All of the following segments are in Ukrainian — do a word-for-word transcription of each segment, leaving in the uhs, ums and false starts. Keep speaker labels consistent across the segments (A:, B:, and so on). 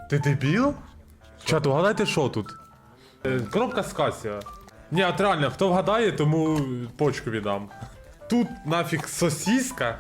A: Ти дебіл? Чат, угадайте, що тут? Е, Коробка з Касіо. Ні, от реально, хто вгадає, тому почку віддам. Тут нафіг сосіска.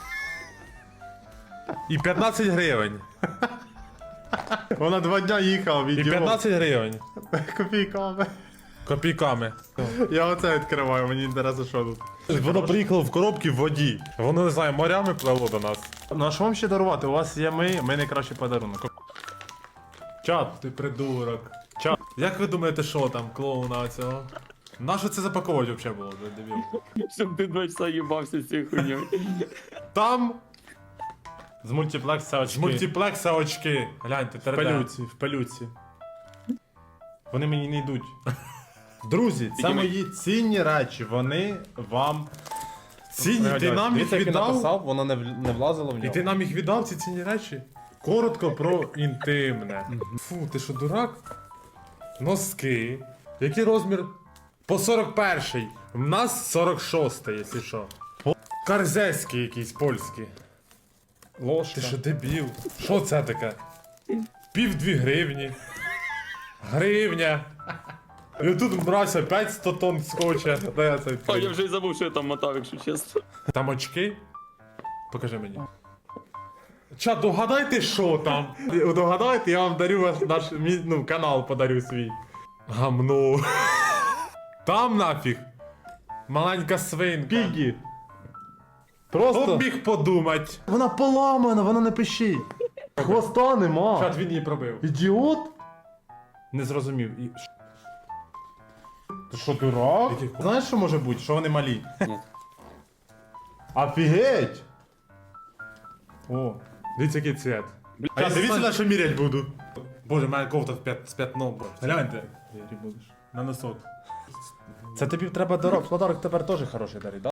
A: І п'ятнадцять гривень.
B: Вона два дня їхала,
A: І
B: відео.
A: п'ятнадцять гривень.
B: Копійками.
A: Копійками.
B: Я оце відкриваю, мені інтересно, що тут.
A: Воно приїхало в коробці в воді. Воно, не знаю, морями плело до нас.
B: Ну а що вам ще дарувати? У вас є ми, ми найкращий подарунок.
A: Чат, ти придурок. Чат. Як ви думаєте, що там, клоуна цього? Нащо це запаковувати взагалі було, дебіл?
C: Щоб ти два часа їбався з цією хуйньою.
A: Там
B: З мультиплекса очки.
A: з мультиплекса очки. Гляньте,
B: В
A: три
B: пелюці, в пелюці. Вони мені не йдуть. Друзі, це
C: Тільки ми-
B: мої цінні речі, вони вам...
A: Цінні, ти нам їх
B: Дивіться, як він
A: віддав?
B: написав, воно не, в- не влазило в
A: І
B: нього.
A: ти нам їх віддав, ці цінні речі? Коротко про інтимне. Фу, ти що, дурак? Носки. Який розмір? По сорок перший. У нас сорок шостий, якщо що. Карзеський якийсь польський.
B: Ложка.
A: Ти що, дебіл? Що це таке? Пів дві гривні. Гривня. І тут мразь опять сто тонн скотча. Дай я це
C: А я
A: відкрию.
C: вже й забув, що я там мотав, якщо чесно.
A: Там очки? Покажи мені. Чат, догадайте, що там?
B: Догадайте, я вам дарю ваш наш мій, ну, канал подарю свій.
A: Гамно. Там нафіг. Маленька свинка.
B: Пігі.
A: Хто
B: Просто.
A: б міг подумать?
B: Вона поламана, вона не пишіть. Хвоста нема.
A: Чат, він її пробив.
B: Ідіот? Не зрозумів. І... Ти що, дурак?
A: Який хуй?
B: Знаєш, що може бути? Що вони малі?
C: Ні.
B: Офігеть! О.
A: Дивіться, який цвет.
B: А я дивіться, на що мірять буду.
A: Боже, мене кофта з п'ят- з п'ятном. Гляньте. На носок.
B: Це тобі треба дорог. Подарок тепер теж хороший дарить, да?